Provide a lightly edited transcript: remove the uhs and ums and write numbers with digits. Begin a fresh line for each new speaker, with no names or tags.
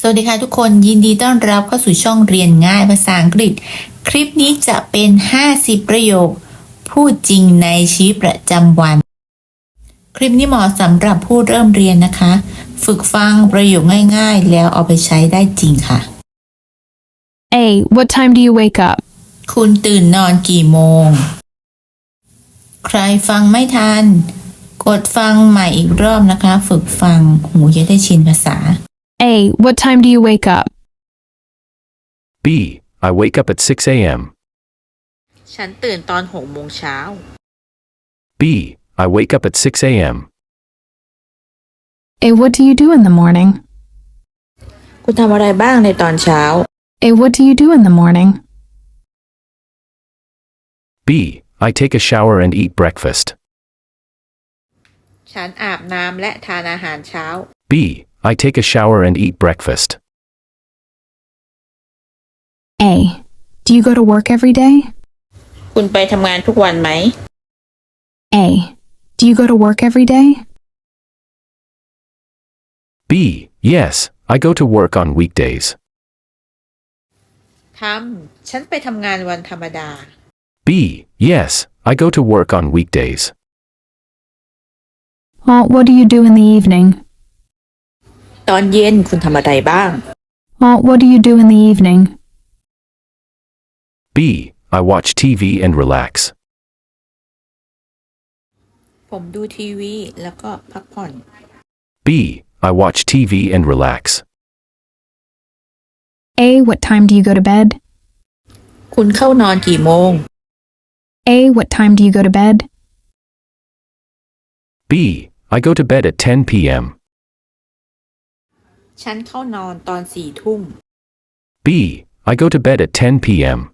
สวัสดีค่ะทุกคนยินดีต้อนรับเข้าสู่ช่องเรียนง่ายภาษาอังกฤษคลิปนี้จะเป็น50ประโยคพูดจริงในชีวิตประจำวันคลิปนี้เหมาะสำหรับผู้เริ่มเรียนนะคะฝึกฟังประโยคง่ายๆแล้วเอาไปใช้ได้จริงค่ะ
A. What time do you wake up?
คุณตื่นนอนกี่โมงใครฟังไม่ทันกดฟังใหม่อีกรอบนะคะฝึกฟังหูจะได้ชินภาษา
A. What time do you wake up?
B. I wake up at 6 a.m.
ฉันตื่นตอน6 โมงเช้า
B. I wake up at 6 a.m.
A. What do you do in the morning?
คุณทำอะไรบ้างในตอนเช้า
A. What do you do in the morning?
B. I take a shower and eat breakfast.
ฉันอาบน้ำและทานอาหารเช้า
B. I take a shower and eat breakfast.
A. Do you go to work every day?
คุณไปทำงานทุกวันไหม
A. Do you go to work every day?
B. Yes, I go to work on weekdays.
ฉันไปทำงานวันธรรมดา
B. Yes, I go to work on weekdays.
What do you do in the evening?
ตอนเย็นคุณทำอะไรบ้าง
What do you do in the evening?
B. I watch TV and relax.
ผมดูทีวีแล้วก็พักผ่อน
B. I watch TV and relax.
A. What time do you go to bed?
คุณเข้านอนกี่โมง
A. What time do you go to bed?
B. I go to bed at 10 p.m.
ฉันเข้านอนตอน4 ทุ่ม
B. I go to bed at 10 p.m.